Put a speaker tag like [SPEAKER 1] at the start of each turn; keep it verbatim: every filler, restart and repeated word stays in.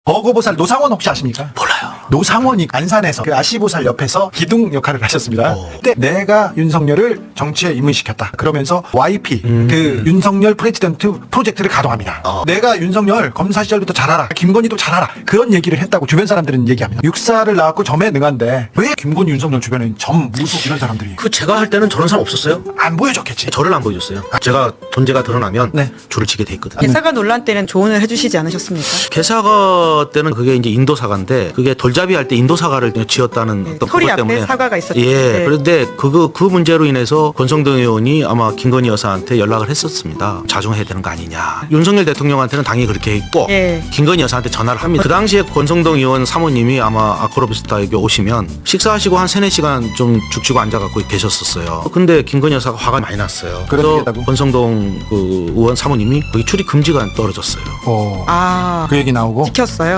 [SPEAKER 1] 버거보살 노상원 혹시 아십니까?
[SPEAKER 2] 몰라요.
[SPEAKER 1] 노상원이 안산에서 그 아시보살 옆에서 기둥 역할을 하셨습니다.
[SPEAKER 2] 오.
[SPEAKER 1] 그때 내가 윤석열을 정치에 입문시켰다. 그러면서 와이피
[SPEAKER 2] 음.
[SPEAKER 1] 그 윤석열 프레지던트 프로젝트를 가동합니다.
[SPEAKER 2] 어.
[SPEAKER 1] 내가 윤석열 검사 시절부터 잘 알아. 김건희도 잘 알아. 그런 얘기를 했다고 주변 사람들은 얘기합니다. 육사를 나왔고 점에 능한데 왜 김건희 윤석열 주변에 점 무속 이런 사람들이
[SPEAKER 2] 그 제가 할 때는 저런 사람 없었어요.
[SPEAKER 1] 안 보여줬겠지.
[SPEAKER 2] 저를 안 보여줬어요. 제가 존재가 드러나면
[SPEAKER 1] 네.
[SPEAKER 2] 줄을 치게 돼 있거든요.
[SPEAKER 3] 개사가 논란 때는 조언을 해주시지 않으셨습니까?
[SPEAKER 2] 개사가 때는 그게 이제 인도 사과인데 그게 돌잡이 할 때 인도 사과를 지었다는
[SPEAKER 3] 네,
[SPEAKER 2] 어떤
[SPEAKER 3] 소리
[SPEAKER 2] 그것
[SPEAKER 3] 앞에
[SPEAKER 2] 때문에
[SPEAKER 3] 사과가 있었죠.
[SPEAKER 2] 예.
[SPEAKER 3] 네.
[SPEAKER 2] 그런데 그거 그 문제로 인해서 권성동 의원이 아마 김건희 여사한테 연락을 했었습니다. 자중해야 되는 거 아니냐. 윤석열 대통령한테는 당연히 그렇게 했고
[SPEAKER 3] 예.
[SPEAKER 2] 김건희 여사한테 전화를 합니다. 그 당시에 권성동 의원 사모님이 아마 아크로비스타에게 오시면 식사하시고 한 세네 시간 좀 죽치고 앉아갖고 계셨었어요. 근데 김건희 여사가 화가 많이 났어요. 그래서
[SPEAKER 1] 그러겠다고?
[SPEAKER 2] 권성동 그 의원 사모님이 거기 출입 금지가 떨어졌어요.
[SPEAKER 1] 어.
[SPEAKER 3] 아,
[SPEAKER 1] 그 얘기 나오고
[SPEAKER 3] 지켰어요.